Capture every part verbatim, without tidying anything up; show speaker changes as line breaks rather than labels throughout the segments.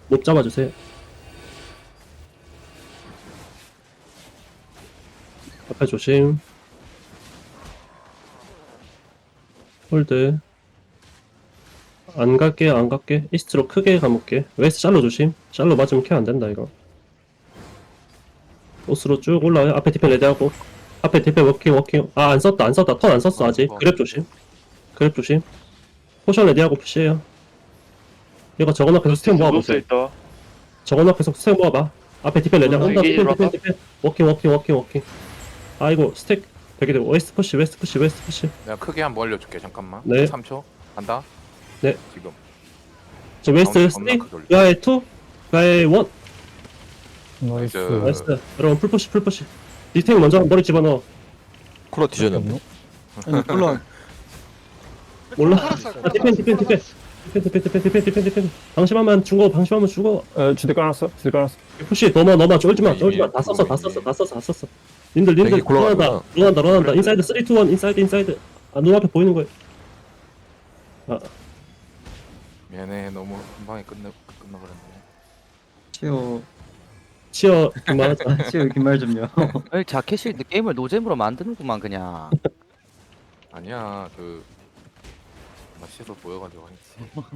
못 잡아주세요. 앞에 조심. 홀드. 안 갈게, 안 갈게. 이스트로 크게 가볼게. 웨스트 샬로 조심. 샬로 맞으면 케어 안 된다, 이거. 오스로 쭉 올라와요. 앞에 디펜 레디하고. 앞에 디펜 워킹, 워킹. 아, 안 썼다, 안 썼다. 턴 안 썼어, 아직. 그랩 조심. 그랩 조심. 포션 레디하고 푸시해요. 이거 저건 앞에서 스택 모아보세요.
있다.
저건 앞에서 스택 모아봐. 앞에 디펜 레디하고.
어,
온다,
이게
디펜, 디펜,
들어왔다.
디펜. 워킹, 워킹, 워킹, 워킹. 아이고, 스택. 되게 되고. 웨스트 푸시, 웨스트 푸시, 웨스트 푸시.
내가 크게 한번 올려줄게. 잠깐만.
네.
삼 초. 간다.
네.
지금.
저 웨스트
가운데
쓰리,
겁나 크게 올려.
가의 투, 가의 원.
나이스.
나이스.
나이스. 여러분 풀푸시, 풀푸시. 디탱 먼저 머리 집어넣어.
콜라 뒤졌는데.
아니 콜라
몰라.
살았어.
아, 디펜, 디펜, 디펜. 디펜, 디펜, 디펜, 디펜, 디펜, 디펜. 방심하면 죽어, 방심하면 죽어.
에 주대 깔았어 주대 깔았어.
푸시, 넘어, 넘어, 쫄지마,
이미
쫄지마. 다 썼어, 다
이미.
썼어, 다 썼어, 다 썼어. 님들, 님들,
되게 곤란하구나.
런한다, 런한다, 런한다. 인사이드 쓰리, 투, 원, 인사이드, 인사이드. 아, 눈앞에 보이는 거예요. 아,
얘네 너무 한 방에 끝내 끝나버렸네.
치오
치어, 그만하자.
치오 긴말 좀요.
아니 자켓이 게임을 노잼으로 만드는구만 그냥.
아니야 그 맛있어 보여가지고 했지.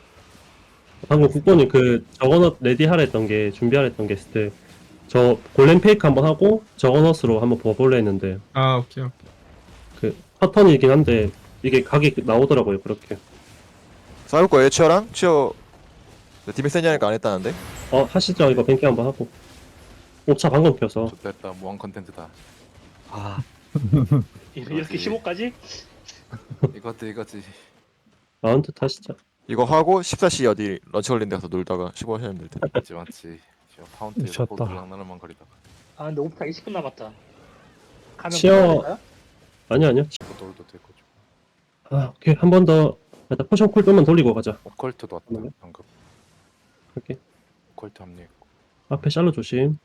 방금 국bon이 그 저거넛 레디 하라 했던 게, 준비하라 했던 게 있을 때, 저 골렘 페이크 한번 하고, 저거넛으로 한번 버볼래 했는데,
아 오케이 오케이.
그, 패턴이긴 한데, 이게 각이 나오더라고요, 그렇게.
싸울 거예요, 치어랑? 치어 디맥 세냐니까 안 했다는데?
어, 하시죠. 이거 뱅킹 한번 하고. 옵차 방금 켜서.
좋됐다 무한 컨텐츠다.
아
이렇게 십오까지?
이것도 이거지.
마운트 타시죠.
이거 하고 십사 시 어디 런치걸린데 가서 놀다가 십오 하시면 될 텐데.
맞지 맞지. 지금 파운트에서
미쳤다.
호두랑 나날만 거리다가
아 근데 오프타 이십 분 남았다. 가면
치어.
끝날까요?
아니요, 아니요.
호돌도 되고 좀.
아, 오케이. 한 번 더. 일단 포션 쿨 좀만 돌리고 가자.
오컬트도 왔다
네.
방금.
이렇게.
오컬트 합류했고.
앞에 샬로 조심.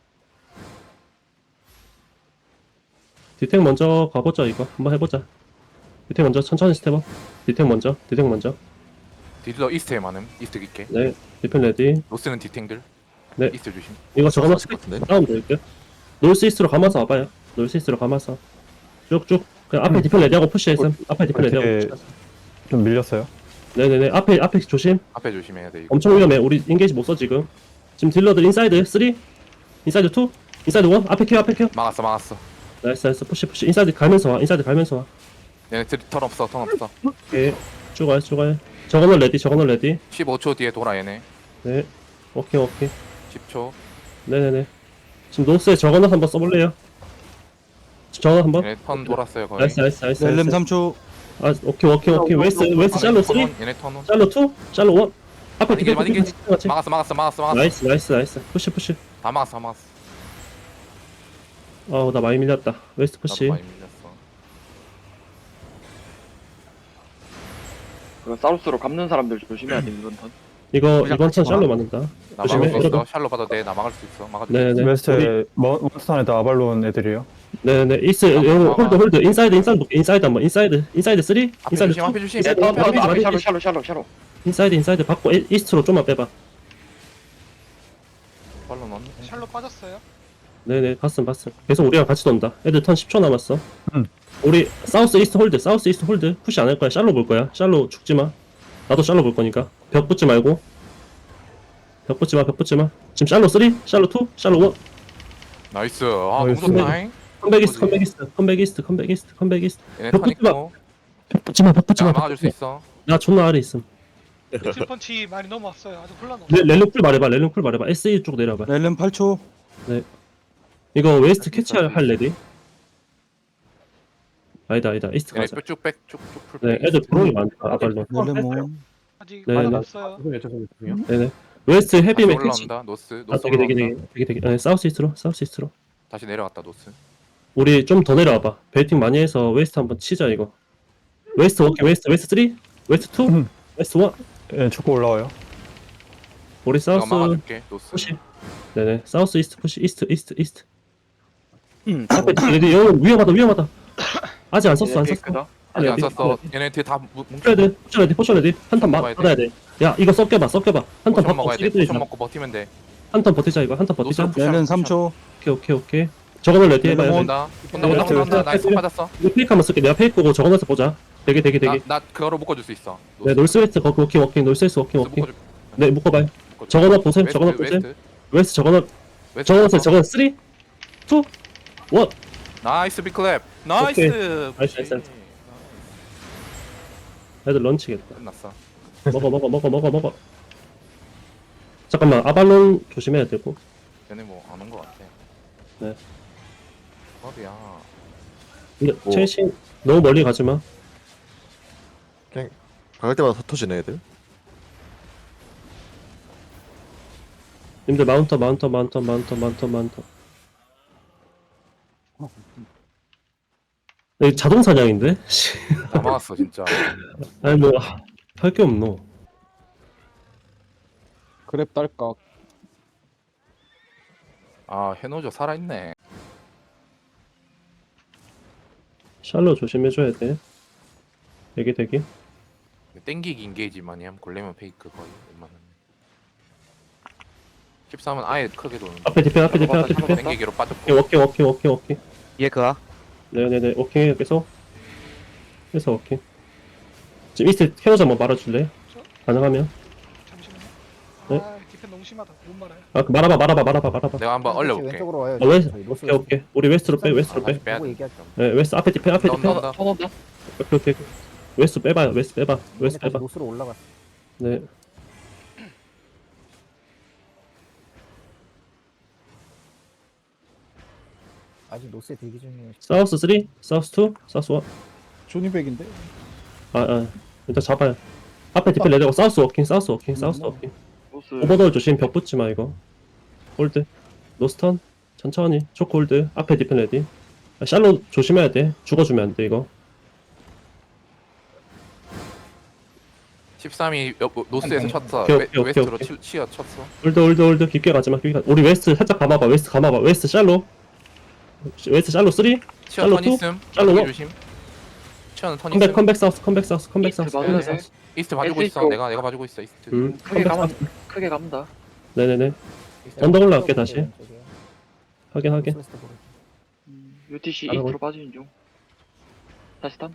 디텍 먼저 가보자, 이거. 한번 해보자. 디텍 먼저 천천히 스텝업. 디텍 먼저. 디텍 먼저.
딜러 이스트에 많음. 이스트 깊게.
네. 디펜 레디.
로스는 디탱들.
네.
이스트 조심.
이거 저거만
맞을 것 같은데?
다운 될게요. 놀스 이스트로 감아서 와봐요. 놀스 이스트로 감아서. 쭉쭉. 그냥 앞에
음.
디펜 레디하고 푸시했음. 앞에 디펜 레디하고
되게-
푸시했음.
좀 밀렸어요.
네네네. 앞에, 앞에 조심.
앞에 조심해야 돼 이거.
엄청 위험해. 우리 인게이지 못 써, 지금. 지금 딜러들 인사이드 쓰리, 인사이드 투, 인사이드 원. 앞에 켜, 앞에 켜.
막았어 막았어.
나이스, 나이스. 푸시, 푸시. 인사이드 갈면서 와. 인사이드 갈면서 와.
얘네 들- 턴 없어 턴 없어.
오케이. 쭉 와요, 쭉 와요. 저거는 레디, 저거는 레디.
십오 초 뒤에 돌아 얘네.
네. 오케이, 오케이.
십 초.
네네네. 지금 노스에 저거는 한번 써볼래요? 저거 한번?
얘네 턴 돌았어요 거의.
나이스, 나이스, 나이스.
렐렘
나이스.
삼 초.
아, 오케이, 오케이, 오케이. 웨스트, 웨스트
아,
샬로
얘네 턴
쓰리,
온, 얘네 턴 온.
샬로 투, 샬로 원. 앞에
만이게,
디펜,
만이게.
디펜 같이.
막았어 막았어 막았어 막았어.
나이스, 나이스, 나이스. 푸시, 푸시.
다 막았어 다 막았어.
어우, 나 많이 밀렸다. 웨스트
나도
푸시.
많이 밀렸어.
그 사우스로 감는 사람들 조심해야 돼 이번 턴.
이거,
그냥
이번 턴
같이 와.
샬로 맞는다.
나
조심해,
막을 수 있어.
여러분.
샬로 받아도 돼. 나 막을 수 있어. 막아줄 수 있어.
네네. 우리-
웨스트에 몬스터안에다 아발론 애들이에요.
네네. 이스,
아,
여러분,
아,
홀드,
아.
홀드. 인사이드, 인사이드, 인사이드 한번. 인사이드, 인사이드 쓰리,
앞에
인사이드
조심
투.
앞에 조심.
인사이드
어,
원.
바로
마리지,
앞에
마리지.
샬로 샬로 샬로 샬로.
인사이드, 인사이드 받고 이- 이스트로 좀만 빼봐.
발로 넣네.
샬로 빠졌어요.
네네, 봤음, 봤음. 계속 우리랑 같이 돈다. 애들 턴 십 초 남았어.
응.
우리 사우스 이스트 홀드, 사우스 이스트 홀드. 푸시 안 할 거야. 샬로 볼 거야. 샬로 죽지 마. 나도 샬로 볼 거니까. 벽 붙지 말고. 벽 붙지 마, 벽 붙지 마. 지금 샬로 쓰리, 샬로 투, 샬로 원.
나이스. 아
나이스.
너무 좋다잉.
컴백 이스트,
뭐지?
컴백 이스트, 컴백 이스트, 컴백 이스트, 컴백 이스트.
얘네
벽
턴
붙지 마.
있고.
벽 붙지 마, 벽 붙지 마.
내가
벽
막아줄 수
붙지 마.
있어.
나 존나 아래 있음.
딜펀치 많이 넘어왔어요. 아주 혼란 없어.
레, 렐름 쿨 말해봐, 렐름 쿨 말해봐. 에스이 쪽 내려봐.
렐렘 팔 초.
이거 웨스트 캐치할 할 레디? 아니다, 아니다. 이스트
얘네
가자.
쭉백쭉쭉 풀.
네, 애들 브로이 많다. 아발로.
렐렘 몬.
아직
네,
많이
네.
없어요.
네네. 웨스트 헤비맨 캐치.
올라온다. 노스.
아,
노스
되게 되게
올라온다.
되게 되게 되게. 네, 사우스 이스트로, 사우스 이스트로.
다시 내려갔다 노스.
우리 좀 더 내려와봐. 베이팅 많이 해서 웨스트 한번 치자 이거. 웨스트 오케이, 웨스트 웨스트 쓰리, 웨스트 투,
음.
웨스트 원.
예, 축구 올라와요.
우리
내가
사우스
막아줄게. 노스.
푸시. 네네. 사우스 이스트 푸시, 이스트 이스트 이스트.
음,
앞에 레디 여기 위험하다, 위험하다. 아직 안 썼어, 안
얘네
썼어.
페이크다.
아직 안
레디,
썼어.
레디.
얘네 뒤에 다 뭉- 뭉쳐.
포션 레디, 포션 레디, 포션 레디. 한턴
먹어야 돼.
받아야 돼. 야, 이거 섞여봐, 섞여봐. 한턴
포션
받고
먹어야 돼.
쓰기들이
포션 먹고 버티면 돼.
한턴 버티자 이거. 한턴 버티자.
노스로
얘는 삼 초.
오케이, 오케이, 오케이. 저거는 레디 해봐야 돼.
온다. 온다 온다
네,
온다 온다.
네,
나이스
네.
받았어.
이거 페이크 한번 쓸게. 내가 페이크 고 저거에서 보자. 되게, 되게, 되게.
나, 나 그거로 묶어줄 수 있어.
네, 놀스웨스트 거기 워킹, 워킹. 놀스웨스트 워킹,
노스
워킹.
묶어줄-
네, 묶어봐요.
묶어줄-
저거나 보셈,
웨스트,
저거나 보셈.
웨스트.
웨스트 저거는,
웨스트
저거는,
봤어.
저거는 쓰리, 이, 일.
나이스 빅클랩. 나이스.
나이스, 나이스, 나이스. 애들 런치겠다.
끝났어.
먹어, 먹어, 먹어, 먹어, 먹어. 잠깐만, 아발론 조심해야 되고.
얘네 뭐 안 온 거 같아.
네.
어디야?
근데
뭐.
최신 너무 멀리 가지 마.
갈 때마다 흩어지네 애들.
님들 마운터, 마운터, 마운터, 마운터, 마운터, 마운터. 이 자동 사냥인데? 씨.
다 막았어 진짜.
아니 뭐 할 게 없노.
그랩 딸깍.
아 해노조 살아있네.
샬로 조심해줘야 돼. 대기 대기.
땡기기 인게이지만이 하면 골레면 페이크 거의 웬만하면. 십삼은 아예 크게 도는.
앞에 디펜, 앞에 디펜, 앞에 디펜.
땡기기로 빠졌고.
오케이, 워킹, 워킹, 워킹, 워킹.
얘 그아.
네네네, 워킹 계속. 계속 워킹. 지금 이스트 캐노즈 한번 말아줄래? 가능하면.
잠시만요.
네?
아 디펜 너무 심하다. 못 말아요.
아, 그 말아봐, 말아봐, 말아봐, 말아봐.
내가 한번 얼려볼게.
왼쪽으로 와요.
아, 왜?
저희 노스
오케이, 오케이. 우리 웨스트로 빼, 웨스트로
아,
빼.
다시 빼야
보고
돼.
얘기하죠.
네, 웨스트 앞에 디펜, 앞에 디펜.
온다 온다.
온다.
오케이, 오케이. 웨스트 빼봐요, 웨스트 빼봐. 웨스트
다시
빼봐.
노스로 올라갔어.
네.
아직 노스에 대기 중이에요.
사우스 쓰리, 사우스 이, 사우스 일.
조니백인데?
아, 아. 일단 잡아요. 앞에 디펜 레드고 사우스 워킹, 사우스 워킹, 사우스 워킹.
노스
오버돌 조심, 벽 붙지 마, 이거. 홀드. 노스턴. 천천히. 초크 홀드. 앞에 디펜 레디. 아, 샬로 조심해야 돼. 죽어주면 안 돼, 이거.
십삼이 여- 노스에서 쳤어.
오케이,
웨,
오케이,
웨스트로
오케이.
치, 치어 쳤어.
홀드, 홀드, 홀드. 깊게 가지 마, 깊게 가. 우리 웨스트 살짝 감아봐. 웨스트 감아봐. 웨스트 샬로. 웨스트 샬로 쓰리.
치어
샬로
턴
투?
있음.
샬로
샬로
원?
조심. 치어는 턴
컴백,
있음.
컴백 사우스, 컴백 사우스, 컴백
이스트
사우스.
봐도
컴백
돼?
사우스.
이스트 봐주고
에스
있어.
쪽.
내가 내가 봐주고 있어. 이스트.
음,
크게
컴백
가면
사우스.
크게 갑니다.
네네네. 언덕 올라갈게, 다시. 확인, 확인.
유티씨
알아보-
이스트로 빠지는 중. 다시 탐.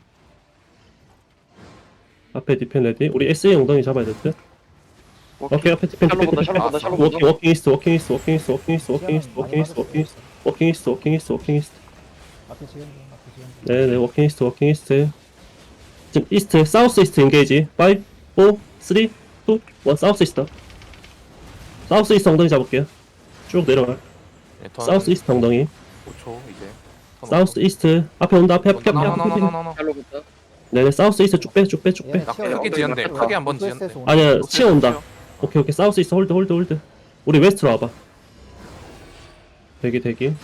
앞에 디펜 레디. 우리 에스이 엉덩이 잡아야 될 듯. 오케이, 앞에 디펜,
샬로
디펜,
본다.
디펜.
샬로 본다. 샬로
워킹,
본다.
워킹 이스트, 워킹 이스트, 워킹 이스트, 워킹 이스트, 워킹 이스트, 워킹 이스트, 워킹 이스트, 워킹 이스트, 워킹 이스트, 워킹 이스트, 워킹 이스트.
앞에 지금 중, 앞에 지금 중.
네네, 워킹 이스트, 워킹 이스트. 지금 이스트, 사우스 이스트 인게이지. 오, 사, 삼, 이, 일. 사우스 이스트. 사우스 이스트 엉덩이 잡을게요. 쭉 내려가.
예, 턴
사우스 이스트 엉덩이.
오 초 이제. 턴
사우스 이스트. 앞에 온다, 앞에, 앞에, 앞에, 앞에.
나나나나나나.
샬로 본다.
네네, 사우스 이스트 쭉 빼, 쭉 빼, 쭉 빼.
얘네
나
치어요.
크게 지연돼.
엉덩이
크게 한번
노스에서
지연돼.
오는
아니야,
노스에서
치어 온다.
치어.
오케이, 오케이. 사우스 이스트 홀드, 홀드, 홀드. 우리 웨스트로 와봐. 대기, 대기.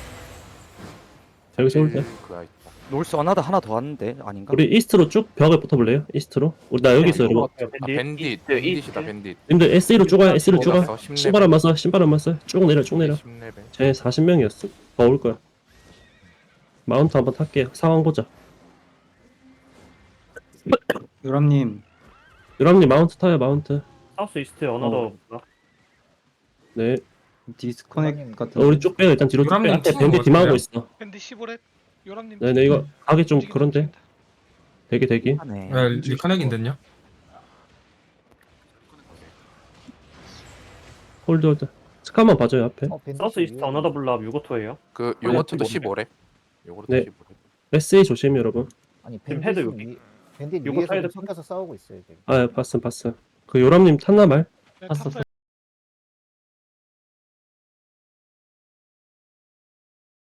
여기서 홀드.
그가 있다.
놀스 어나더 하나 더 왔는데 아닌가?
우리 이스트로 쭉 벽에 붙어볼래요? 이스트로? 우리 나 여기 있어요, 여러분.
아 밴딧.
이스트,
밴딧이다
이스트.
밴딧.
님들 에스이로 쭉와요, 에스이로 쭉와.
올랐어, 십 레벨.
신발 한번 써, 신발 한번 써. 쭉 내려, 쭉 내려.
십 레벨.
쟤 사십 명이었어. 더 올 거야. 마운트 한번 탈게요. 상황 보자.
유람님
유람님 마운트 타요, 마운트.
사우스 이스트 어너더
네.
디스커넥 같은
어, 우리 쭉 빼요. 일단 뒤로 쭉 빼.
유람님
앞에
치고
밴디
올
디마하고
거예요?
있어.
밴드 십오 렙. 요람님.
네네, 이거 가기 좀
움직인다,
그런데.
움직인다.
대기, 대기.
하네.
리카넥인데요?
홀드, 홀드. 스카만 봐줘요, 앞에.
어, 밴드
사우스 이스트
위에.
어너더 블랍 유고토예요.
그
네,
요거트도
네.
십오 렙. 요거트
네.
십오 렙.
에스이 조심, 여러분.
아니
지금
밴드
헤드
위 밴드
요거
위에서
사이드
좀 챙겨서 싸우고 있어요. 지금.
아, 봤음, 봤음. 그 요람님 탔나 말?
네,
봤어.
탔어요.